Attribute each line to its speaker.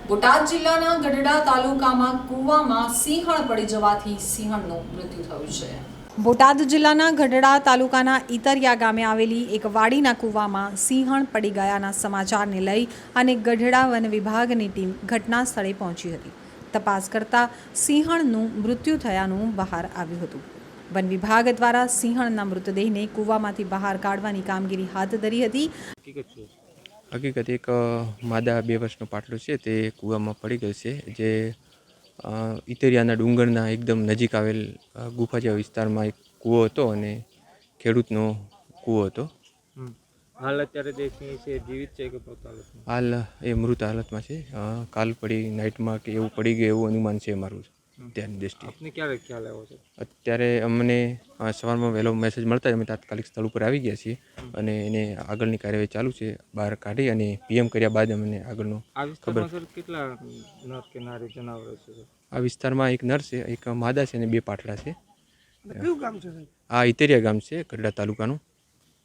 Speaker 1: બોટાદ જિલ્લાના ગઢડા તાલુકામાં કૂવામાં સિંહણ પડી જવાથી સિંહણનું મૃત્યુ થયું છે। બોટાદ જિલ્લાના ગઢડા તાલુકાના ઈતરિયા ગામે આવેલી એક વાડીના કૂવામાં સિંહણ પડી ગયાના સમાચારને લઈ અને ગઢડા વન વિભાગની ટીમ ઘટના સ્થળે પહોંચી હતી। તપાસ કરતા સિંહણનું મૃત્યુ થયાનું બહાર આવ્યું હતું। વન વિભાગ દ્વારા સિંહણના મૃતદેહને કૂવામાંથી બહાર કાઢવાની કામગીરી હાથ ધરી હતી।
Speaker 2: હકીકત એક માદા 2 વર્ષનો પાટલો છે તે કૂવામાં પડી ગયો છે, જે ઈતરિયાના ડુંગરના એકદમ નજીક આવેલ ગુફા જેવા વિસ્તારમાં એક કૂવો હતો અને ખેડૂતનો કૂવો હતો।
Speaker 3: હાલ અત્યારે જે સિંહ છે જીવિત છે કે મૃત હાલતમાં?
Speaker 2: હાલ એ મૃત હાલતમાં છે। કાલ પડી નાઇટમાં કે એવું પડી ગયું એવું અનુમાન છે મારું ત્યારની દૃષ્ટિએ।
Speaker 3: આપને ક્યારે ખ્યાલ આવ્યો છે?
Speaker 2: અત્યારે અમને સવારમાં વહેલો મેસેજ મળતા જ અમે તાત્કાલિક સ્થળ ઉપર આવી ગયા છીએ અને એને આગળની કાર્યવાહી ચાલુ છે। બહાર કાઢી અને પીએમ કર્યા બાદ અમને આગળનો
Speaker 3: આ વિસ્તારમાં સર કેટલા નર કે નારી જનાવરો છે?
Speaker 2: આ વિસ્તારમાં એક નર છે, એક માદા છે અને 2 પાટડા છે।
Speaker 3: કયું ગામ છે?
Speaker 2: આ ઈતરિયા ગામ છે, ગઢડા તાલુકાનું।